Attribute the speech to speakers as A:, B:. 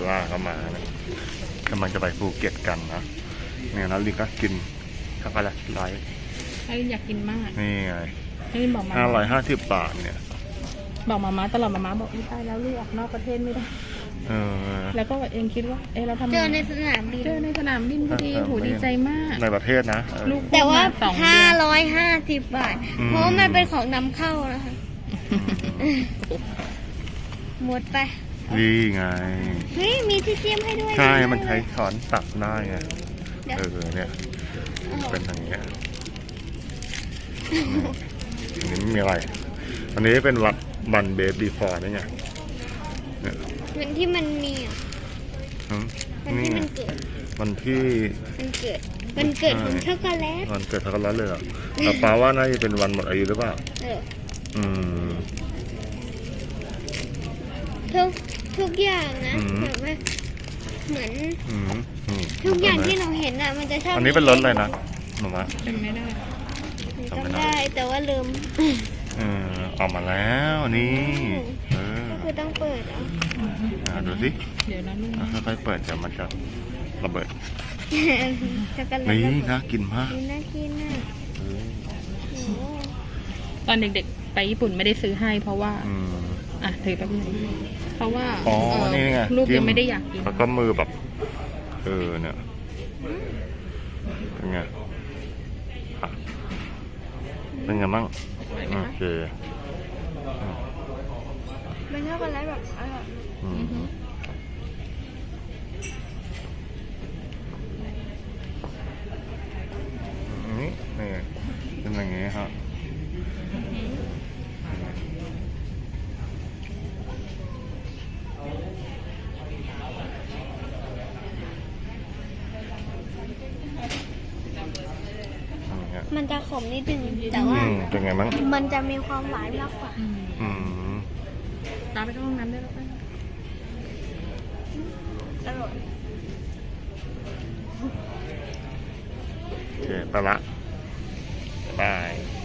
A: ล่าก็มาเนี่ยกำลังจะไปภูเก็ตกันนะเนี่ยนะลิงก็กินช็อกโกแลตไลท์
B: ให้อยากกินมาก
A: นี่ไง
B: ให้บอกมา
A: 550 บาทเนี่ย
B: บอกมาตลอดมาบอกไม่ได้แล้วลูกออกนอกประเทศไม่ได้แล้วก็เองคิดว่าเราทำ
C: เจอในสนามบิน
B: พอดีโหดีใจมาก
A: ในประเทศนะ
B: ลูก
C: แต่ว่า550 บาทเพราะมันเป็นของนำเข้านะคะหมดไป
A: นี่ไง
C: เฮ้ยมีที่เทียมให้ด้วย
A: ใช่มันใช้ช้อนตักได้ไงเนี่ยเป็นอย่างเงี้ยอันนี้ไม่มีอะไรอันนี้เป็นวันเบบีฟอร์นี่ไง
C: วันที่มันมีวันที่มันเกิดวันเกิดของช็อกโกแลต
A: วันเกิดช็อกโกแลตเลยเหรอแต่ป้าว่าน่าจะเป็นวันหมดอายุหรือเปล่า
C: ทุกอย่างนะแบบว่าเหมือนทุกอย่างที่เราเห็นอ่ะมันจะชอบ
A: อันนี้เป็นรถอะไรนะหนูมะ
B: จำไม่ได้
C: แต่ว่าลืม
A: ออกมาแล้วนี่
C: ก็คือต้องเปิด
A: ดูสิ
B: เดี๋ยวนะลูก
A: ค่อยๆเปิดเดี๋ยวมันจะระเบิด
C: ช็อกโกแลต
A: นี่น่ากินมาก
C: น่ากินน่ะ
B: ตอนเด็กๆไปญี่ปุ่นไม่ได้ซื้อให้เพราะว่าถือแป๊บนึงเพราะว่า
A: นี่ไง
B: ลูกยังไม่ได้อยากกิน
A: แล้วก็มือแบบเนี่ยเป็นไงเป็นไงบ้างโอเค
C: เป็นช็อกโกแลตแบบ
A: นี่เป็นอย่างงี้ครับ
C: มันจะขมนิดนึงแต่ว่า
A: เป็นไงบ้าง
C: มันจะมีความหวานมากกว่า
B: ตามไปเข้าห้องน้ำได้แล้วป่ะ
C: อร่อย
A: โอเคไปละบาย